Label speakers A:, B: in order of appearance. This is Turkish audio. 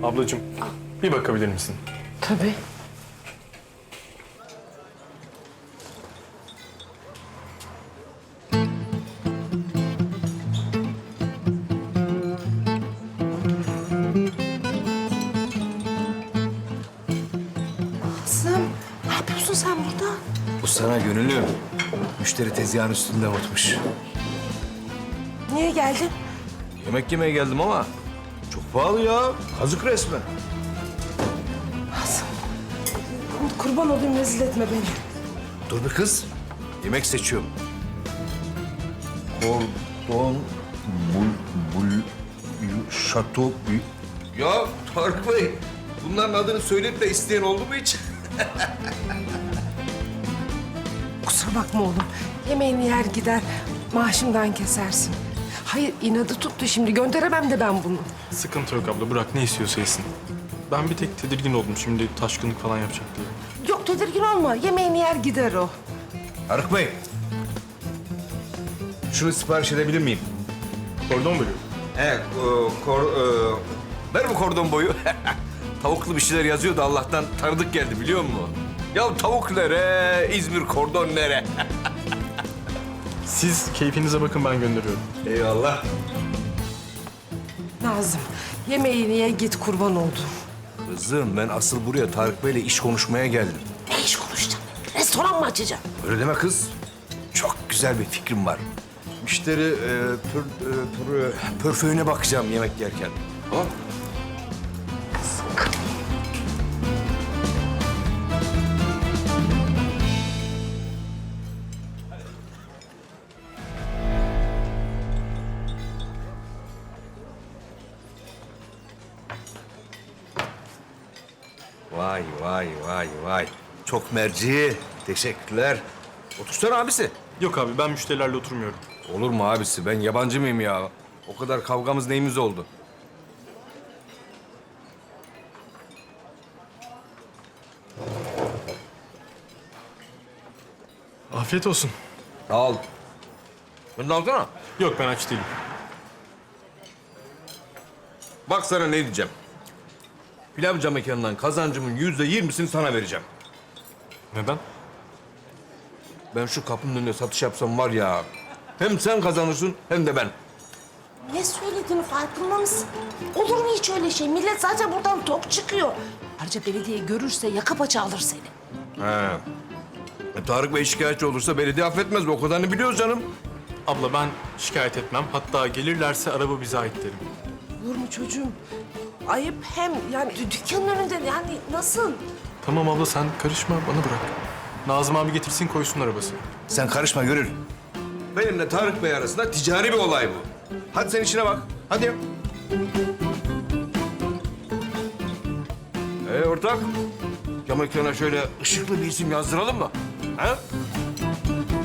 A: Ablacığım, bir bakabilir misin?
B: Tabii. Kızım, ne yapıyorsun sen burada?
C: Bu sana gönüllü. Müşteri tezgahın üstünde unutmuş.
B: Niye geldin?
C: Yemek yemeye geldim ama çok pahalı ya. Kazık resmen.
B: Kızım, kurban olayım, rezil etme beni.
C: Dur bir kız. Yemek seçiyorum. Kordon şato. Ya Tarık Bey, bunların adını söyleyip de isteyen oldu mu hiç?
B: Kusura bakma oğlum. Yemeğini yer gider, maaşımdan kesersin. Hayır, inadı tuttu şimdi. Gönderemem de ben bunu.
A: Sıkıntı yok abla, bırak ne istiyorsa yesin. Ben bir tek tedirgin oldum şimdi taşkınlık falan yapacak diye.
B: Yok, tedirgin olma. Yemeğini yer gider o.
C: Tarık Bey. Şunu sipariş edebilir miyim?
A: Kordon bölüyor.
C: He, ver bu kordon boyu. Tavuklu bir şeyler yazıyor da Allah'tan tanıdık geldi biliyor musun? Ya tavuk nere, İzmir kordon nere?
A: Siz keyfinize bakın, ben gönderiyorum.
C: Eyvallah.
B: Nazım, yemeğini ye git, kurban oldum.
C: Kızım ben asıl buraya Tarık Bey'le iş konuşmaya geldim.
B: Ne iş konuşacaksın? Restoran mı açacaksın?
C: Öyle deme kız. Çok güzel bir fikrim var. Müşteri pörföyüne bakacağım yemek yerken. Tamam. Vay vay vay vay. Çok merci. Teşekkürler. Otursana abisi.
A: Yok abi, ben müşterilerle oturmuyorum.
C: Olur mu abisi? Ben yabancı mıyım ya? O kadar kavgamız neyimiz oldu?
A: Afiyet olsun.
C: Sağ ol. Bunu da alsana.
A: Yok, ben aç değilim.
C: Bak sana ne diyeceğim. Pilavcı mekanından kazancımın %20'sini sana vereceğim.
A: Neden?
C: Ben şu kapının önünde satış yapsam var ya... Hem sen kazanırsın hem de ben.
B: Ne söylediğini farkında mısın? Olur mu hiç öyle şey? Millet zaten buradan tok çıkıyor. Ayrıca belediye görürse yaka paça alır seni.
C: He. Tarık Bey şikayetçi olursa belediye affetmez. O kadarını biliyoruz canım.
A: Abla ben şikayet etmem. Hatta gelirlerse araba bize ait derim.
B: Olur mu çocuğum? Ayıp hem yani dükkanın önünde yani nasıl?
A: Tamam abla, sen karışma, bana bırak. Nazım abi getirsin, koysun arabası.
C: Sen karışma Gönül. Benimle Tarık Bey arasında ticari bir olay bu. Hadi sen işine bak. Hadi. Ortak. Cam ekrana şöyle ışıklı bir isim yazdıralım mı? Ha?